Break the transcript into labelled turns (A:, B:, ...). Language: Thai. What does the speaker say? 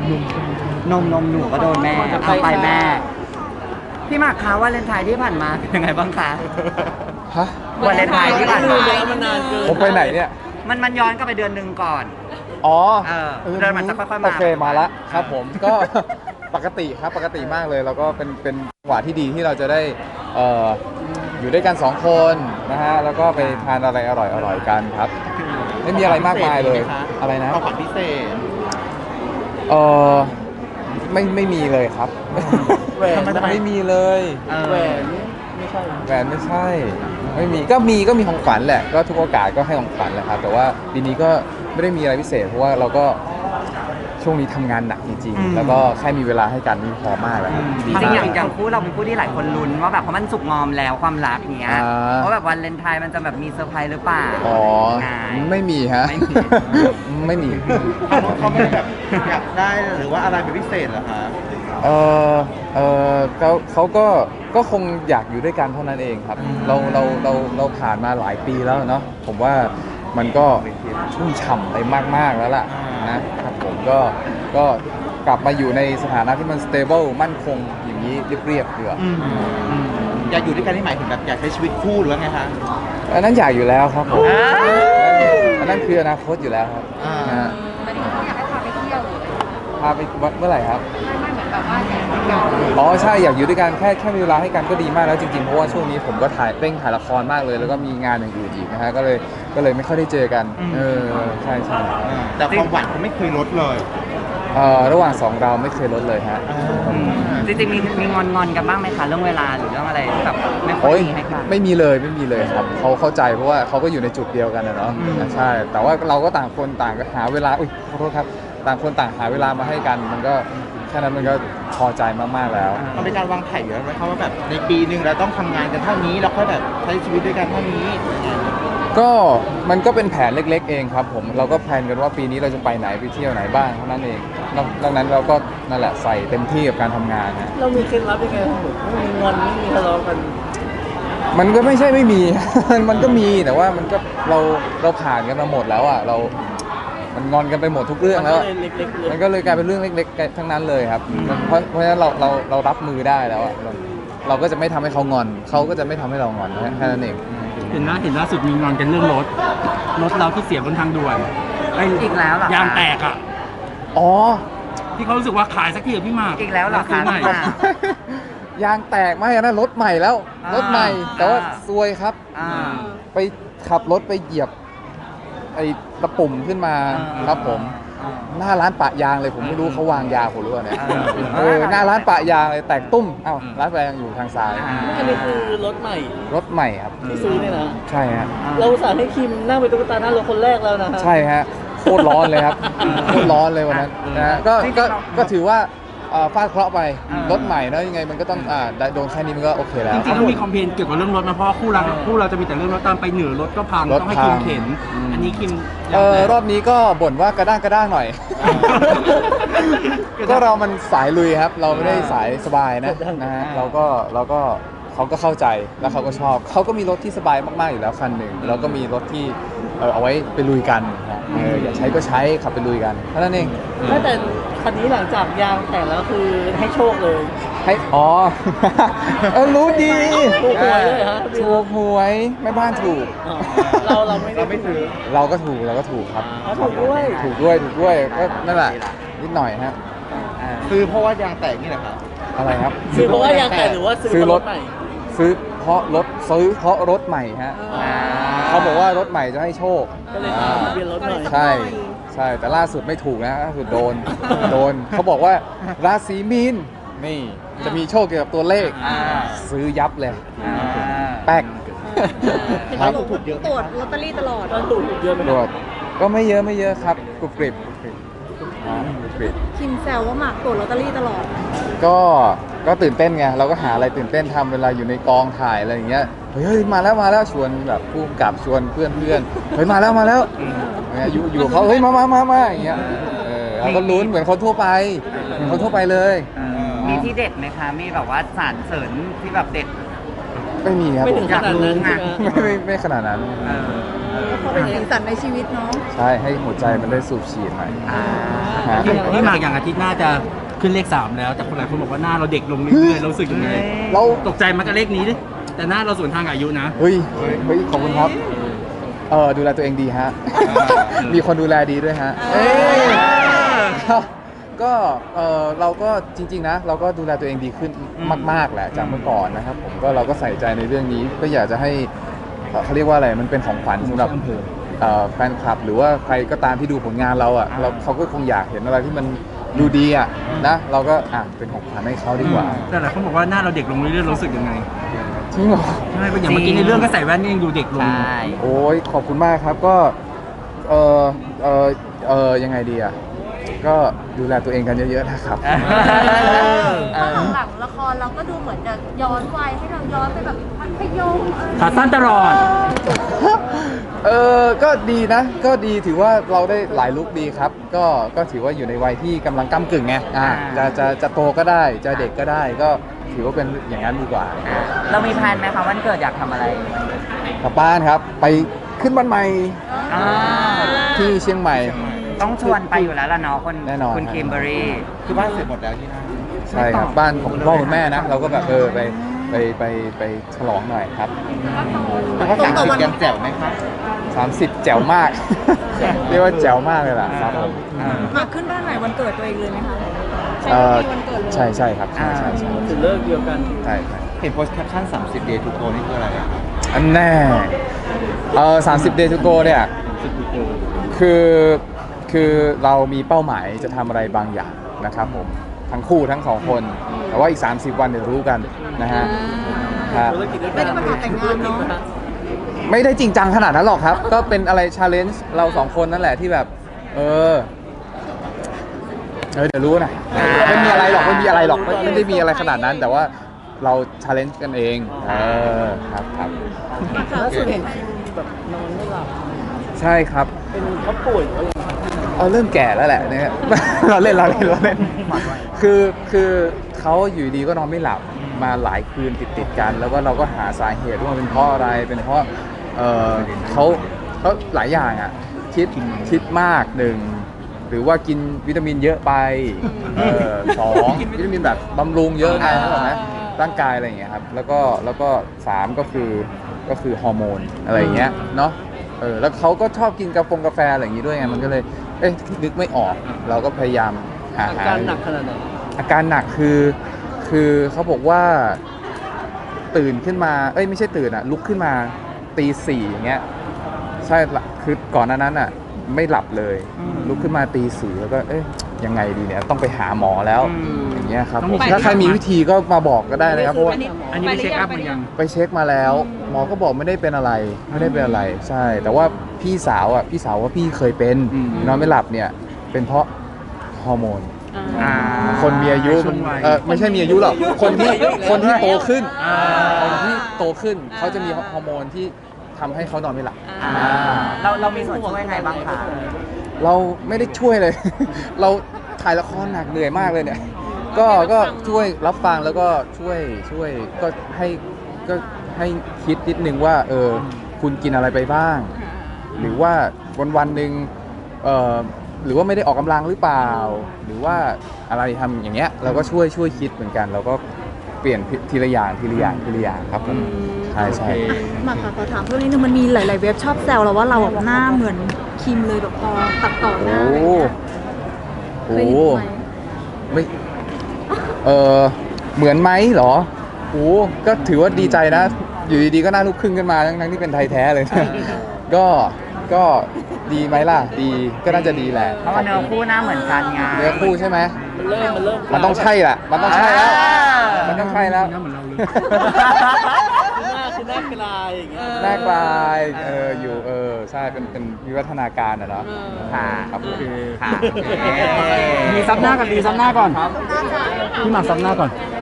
A: นมหนูก็โดนแม่เอาไปแม่พี่หมากคะวาเลนไทน์ที่ผ่านมาเป็นยังไงบ้างคะ
B: ฮะ
A: วาเลนไทน์ที่ผ่านมา
B: ผมไปไหนเนี่ย
A: มันย้อนกลับไปเดือนหนึ่งก่อน
B: อ๋อ
A: เดินมันจะค่อยๆมา
B: โอเคมาละครับผมก็ ปกติครับปกติมากเลยแล้วก็เป็นจังหวะที่ดีที่เราจะได้อยู่ด้วยกัน2คนนะฮะแล้วก็ไปทานอะไรอร่อยกันครับ ไม่มีอะไรมากมายเลยอะไรนะ
C: ของขวัญพิเศษ
B: เออไม่มีเลยครับ
C: แหวน
B: ไม่มีเลย
C: แหวนไม่ใช่
B: แหวนไม่ใช่ไม่มีก็มีของขวัญแหละก็ทุกโอกาสก็ให้ของขวัญแหละครับแต่ว่าปีนี้ก็ไม่ได้มีอะไรพิเศษเพราะว่าเราก็ช่วงนี้ทำงานหนักจริงๆแล้วก็แค่มีเวลาให้กันนี่พอมากแล้วครับ
A: จริงๆอย่างคู่เราเป็นคู่ที่หลายคนลุ้นว่าแบบเพราะมันสุกงอมแล้วความรักเงี้ยเพราะแบบวันเลนไทน์มันจะแบบมีเซอร์ไพรส์หรือเปล่า
B: อ๋อไม่มีฮะไม่มี
C: เขาไม่ได้แบบอยากได้หรือว่าอะไรเป็นพิเศษเหรอคะ
B: เอเขาก็คงอยากอยู่ด้วยกันเท่านั้นเองครับเราผ่านมาหลายปีแล้วเนาะผมว่ามันก็ชุ่มฉ่ำไปมากๆแล้วล่ะนะครับผมก็กลับมาอยู่ในสถานะที่มัน stable มั่นคงอย่างนี้เรียบๆเถอะ
C: อยากอยู่ด้วยกันที่หมายถึงแบบอยากใช้ชีวิตคู่หรือไงคะ
B: อันนั้นอยากอยู่แล้วครับผมอันนั้นคืออนาคตอยู่แล้วครับ
D: แต่ที่เขาอยากให้พาไปเที่ยว
B: พาไปเมื่อไหร่ครับ
D: ไม่เหมือนแบบว่าอยากอยู่ด้วยกัน
B: อ๋อใช่อยากอยู่ด้วยกันแค่มีเวลาให้กันก็ดีมากแล้วจริงๆเพราะว่าช่วงนี้ผมก็เร่งถ่ายละครมากเลยแล้วก็มีงานอย่างอื่นอีกนะฮะก็เลยไม่ค่อยได้เจอกันใช่
C: แต่ความหวานเขาไม่เคยลดเลย
B: ระหว่างสองเราไม่เคยลดเลยฮะ
A: จริงๆมีงอนกันบ้างไหมคะเรื่องเวลาหรือเรื่องอะไรที่แบบไม่ค่อยมีให้กัน
B: ไม่มีเลยครับเขาเข้าใจเพราะว่าเขาก็อยู่ในจุดเดียวกันนะเนาะใช่แต่ว่าเราก็ต่างคนต่างหาเวลาขอโทษครับต่างคนต่างหาเวลามาให้กันมันก็แค่นั้นมันก็พอใจมากๆแล้ว
C: มันเป็นการวางแผนอยู่แล้วไหมครับว่าแบบในปีหนึ่งเราต้องทำงานกันเท่านี้แล้วค่อยแบบใช้ชีวิตด้วยกันเท่านี้
B: ก็มันก็เป็นแผนเล็กๆเองครับผมเราก็แพลนกันว่าปีนี้เราจะไปไหนไปเที่ยวไหนบ้างเท่านั้นเองดังนั้นเราก็นั่นแหละใส่เต็มที่กับการทำงานนะ
C: เรามีเคล็ดลับยังไงไม่มีงอนไม่มีทะเลาะกัน
B: มันก็ไม่ใช่ไม่มี มันก็มีแต่ว่ามันก็เราผ่านกันมาหมดแล้วอ่ะมันงอนกันไปหมดทุกเรื่องแล้วมันก็เลยกลายเป็นเรื่องเล็กๆทั้งนั้นเลยครับเพราะฉะนั้นเรารับมือได้แล้วอ่ะเราก็จะไม่ทำให้เขางอนเขาก็จะไม่ทำให้เรางอนแค่นั้นเอง
E: เห็นล่าสุดมีงอนกันเรื่องรถเราที่เสียบนทางด่วน
A: อีกแล้วเหรอย
E: างแตกอ่ะ
B: อ๋อ
E: ที่เขารู้สึกว่าขายสักทีพี่มาก
A: อีกแล้วเหรอคะ
B: ยางแตกไม่นะรถใหม่แล้วรถใหม่แต่ว่าซวยครับไปขับรถไปเหยียบไอ้ตะปุ่มขึ้นมาครับผมหน้าร้านปะยางเลยผมไม่รู้เขาวางยาผมรู้เนี่ยหน้าร้านปะยางเลยแตกตุ้มร้านปะยางอยู่ทางซ้าย
C: อันนี้คือรถใหม่
B: ครับ
C: ที่ซื้อเนี่ยนะ
B: ใช่ฮะ
C: เราสั่งให้คิมนั่งเป็นตุ๊กตาหน้ารถคนแรกแล้วนะ
B: ใช่ฮะโคตรร้อนเลยครับโคตรร้อนเลยวันนั้นนะก็ถือว่าฟาดเคราะห์ไปรถใหม่นะยังไงมันก็ต้องโดนแค่นี้มันก็โอเคแล้ว
E: จริงๆแล้วมีคอมเพลนเกี่ยวกับเรื่องรถมาเพราะคู่เราจะมีแต่เรื่องรถตามไปเหนือรถก็พังต้องให้คิมเข็นอันนี้คิม
B: รอบนี้ก็บ่นว่ากระด้างหน่อยก็เรามันสายลุยครับเราไม่ได้สายสบายนะฮะเราก็เขาก็เข้าใจแล้วเขาก็ชอบเขาก็มีรถที่สบายมากๆอยู่แล้วคันหนึ่งแล้วก็มีรถที่เอาไว้ไปลุยกันอยากใช้ก็ใช้ขับไปลุยกันเท่านั้นเอง
C: แต่คันนี้หลังจากยางแตกแล้วคือให้โชคเลย
B: ให้รู้ดี
C: ถูกหวยเลยฮะ
B: ถูกหวยแม่บ้านถูก
C: เราไม่ถือ
B: เราก็ถูกครับ
C: ถูก
B: ด้วยก็นั่นแหละนิดหน่อยฮะ
C: ซื้อเพราะว่ายางแตกนี่แหละครับ
B: อะไรครับ
C: ซื้อเพราะว่ายางแตกหรือว่าซื้อรถใหม่
B: ซื้อเพราะรถใหม่ฮะเขาบอกว่ารถใหม่จะให้โชค
C: ก็เลยเปลี่ยนรถใหม่
B: ใช่แต่ล่าสุดไม่ถูกนะล่าสุดโดนเขาบอกว่าราศีมีนนี่จะมีโชคเกี่ยวกับตัวเลขซื้อยับเลยแป๊ก
D: ถูกเยอะตรวจลอตเตอรี่ตลอด
C: ถูกเยอะไหม
B: ตรวจก็ไม่เยอะครับกรุบกริบ
D: คิมแซวว่าหมากตรวจลอตเตอรี่ตลอด
B: ก็ตื่นเต้นไงเราก็หาอะไรตื่นเต้นทำเวลาอยู่ในกองถ่ายอะไรอย่างเงี้ยเฮ้ยมาแล้วชวนแบบผู้กำกับชวนเพื่อนเฮ้ยมาแล้วอยู่เขาเฮ้ยมาอย่างเงี้ยเราก็ลุ้นเหมือนคนทั่วไปเลย
A: มีที่เด็ดไหมคะมีแบบว่าสารเสริญที่แบบเด็ด
B: ไม่มีครับ
C: ไม่ถึงขนาดนั้น
B: ไม่ขนาดนั้น
D: เขาเป็นสีสันในชีวิตเนาะ
B: ใใช่ให้หัวใจมันได้สูบฉีดหน่อย ฮะ
E: พี่หมากอย่างอาทิตย์หน้าจะขึ้นเลข 3 แล้วแต่คนหลายคนบอกว่าหน้าเราเด็กลงเรื่อยๆเรารู้สึกยังไง
B: เรา
E: ตกใจมันกับเลขนี้ดิแต่หน้าเราสวนทางกับอายุนะ
B: เฮ้ยขอบคุณครับดูแลตัวเองดีฮะ มีคนดูแลดีด้วยฮะก็เราก็จริงๆนะเราก็ดูแลตัวเองดีขึ้นมากๆแหละจากเมื่อก่อนนะครับผมก็เราก็ใส่ใจในเรื่องนี้ก็อยากจะให้เขาเรียกว่าอะไรมันเป็นของขวัญสำหรับแฟนคลับหรือว่าใครก็ตามที่ดูผลงานเราอ่ะเขาก็คงอยากเห็นอะไรที่มันดูดีอ่ะนะเราก็เป็นของขวัญให้เขาดีกว่า
E: แต่หลายคนบอกว่าหน้าเราเด็กลงเรื่อยๆรู้สึกยังไง
B: จริงเหรอ
E: ใช่อย่างเมื่อกี้ในเรื่องก็ใส่แว่นนี่ยังดูเด็กลง
A: ใช่
B: โอ้ยขอบคุณมากครับก็ยังไงดีอ่ะก็ดูแลตัวเองกันเยอะๆนะครับ
D: หลังละครเราก็ดูเหมือนจะย้อนวัยให้เราย้อนไปแบบมัธยม
E: ขาสั้นตลอด
B: ก็ดีนะ ก็ดีถือว่าเราได้หลายลุคดีครับ ก็ถือว่าอยู่ในวัยที่กำลังก้ำกึ่งไงจะโตก็ได้จะเด็กก็ได้ก็ถือว่าเป็นอย่างนั้นดีกว่า
A: เรามีแพลนไหมคะวันเกิดอยากทำอะไร
B: กลับบ้านครับ ไปขึ้นบ้านใหม่
A: อ่า
B: ที่เชียงใหม่
A: ต้องชวนไปอยู่แล้วล่ะเนาะคน
B: แน่นอน
A: คุณคิมเบอร์รี่
C: คือบ้านเสร็จหมดแล้วที่นั่น
B: ใช่ครับบ้านของคุณพ่อคุณแม่นะ เราก็แบบไปฉลองหน่อยครับ
C: แล้วก็30ยังแจ๋วไหมครับ
B: 30 แจ๋วมาก เรียกว่าแจ๋วมากเลยล่ะครับผม
D: มาขึ้นบ้านใหม่วันเกิดตัวเองเลยไหมคะใช่
B: เอ่อ
D: วันเกิดเลย
B: ใช่ครับใช่
E: ถึงเลิกเดียวกัน
B: ใช่
C: เห็นโพสต์แคปชั่น30 day to go นี่คืออะไรอะครับ
B: อันแน่30 day to go เนี่ยคือเรามีเป้าหมายจะทำอะไรบางอย่างนะครับผมทั้งคู่ทั้งสองคน แต่ว่าอีก 30 วันเดี๋ยวรู้กันนะฮะครับ
D: ไม่ได้ประกาศแต่งงานเนาะ
B: ไม่ได้จริงจังขนาดนั้นหรอกครับ ก็เป็นอะไรชาเลนจ์เราสองคนนั่นแหละที่แบบเดี๋ยวรู้นะไม่มีอะไรหรอกไม่ได้มีอะไรขนาดนั้น แต่ว่าเราชาเลนจ์กันเองครับ
E: ล่าสุดเห็นแบบนอนไม่หลับ
B: ใช่ครับ
E: เป็นเขาป่วยอะไร
B: เริ่มแก่แล้วแหละเนี่ย เราเล่นคือเขาอยู่ดีก็นอนไม่หลับมาหลายคืนติดกันแล้วก็เราก็หาสาเหตุว่ามันเป็นเพราะอะไรเป็นเพราะเขาหลายอย่างอ่ะคิดมากหนึ่งหรือว่ากินวิตามินเยอะไปสองวิตามินแบบบำรุงเยอะไงเข้าใจไหมร่างกายอะไรอย่างเงี้ยครับแล้วก็3ก็คือฮอร์โมนอะไรอย่างเงี้ยเนาะแล้วเขาก็ชอบกินกาแฟอะไรอย่างงี้ด้วยไงมันก็เลยนึกไม่ออกเราก็พยายามหา
E: อาการหนักขนาดไหน
B: อาการหนักคือเขาบอกว่าตื่นขึ้นมาไม่ใช่ตื่นลุกขึ้นมาตี 4อย่างเงี้ยใช่คือก่อนหน้านั้นไม่หลับเลยลุกขึ้นมาตี 4แล้วก็ยังไงดีเนี่ยต้องไปหาหมอแล้วอย่างเงี้ยครับผมถ้าใครมีวิธีก็มาบอกก็ได้นะครับเพราะว่า
E: อันนี้ไปเช็คอัพมันยัง
B: ไปเช็คมาแล้วหมอก็บอกไม่ได้เป็นอะไรใช่ แต่ว่าพี่สาวว่าพี่เคยเป็นนอนไม่หลับเนี่ยเป็นเพราะฮอร์โมนคนมีอายุไม่ใช่มีอายุหรอกคนที่โตขึ้นคนที่โตขึ้นเขาจะมีฮอร์โมนที่ทำให้เขานอนไม่หลับ
A: เรามีส่วนช่วยไงบ้างคะ
B: เราไม่ได้ช่วยเลย เราถ่ายละครหนักเหนื่อยมากเลยเนี่ยก็ช่วยรับฟังแล้วก็ช่วยก็ให้คิดนิดนึงว่าคุณกินอะไรไปบ้าง หรือว่าวันหนึ่งหรือว่าไม่ได้ออกกำลังหรือเปล่า หรือว่าอะไรทำอย่างเงี้ยเราก็ช่วยคิดเหมือนกันเราก็เปลี่ยนทีละอย่างครับผมใช่
D: มาค่ะขอถามเพิ่มนิดนึงมันมีหลายๆเว็บชอบแซวเราว่าเราแบบหน้าเหมือนคิมเลยแบบพอตัดต่อหน้าอะไรอย่างเงี้ยเคยเห็นไหม
B: ไม่เหมือนไหมเหรอก็ถือว่าดีใจนะ อยู่ดีๆก็หน้าลูกครึ่งขึ้นมาทั้งที่เป็นไทยแท้เลย ก็ดีไหมล่ะดีก็น่าจะดีแหละ
A: เพราะว่าเนื้อคู่หน้าเหมือนกันไง
B: เนื้อคู่ใช่ไหม
E: มันเริ่ม
B: มันต้องใช่แหละมันต้องใช่แล้ว มันต้องใช่แล้ว
E: หน้าเหมือนเราเลยหน้าคือหน้ากลายอย่างเงี้ย
B: หน้ากลายอยู่ใช่เป็นวิวัฒนาการเนาะ
A: ค่ะ
B: ครับ
A: โอเคค่ะ
E: มีซับหน้าก่อนพี่หมากซับหน้าก่อน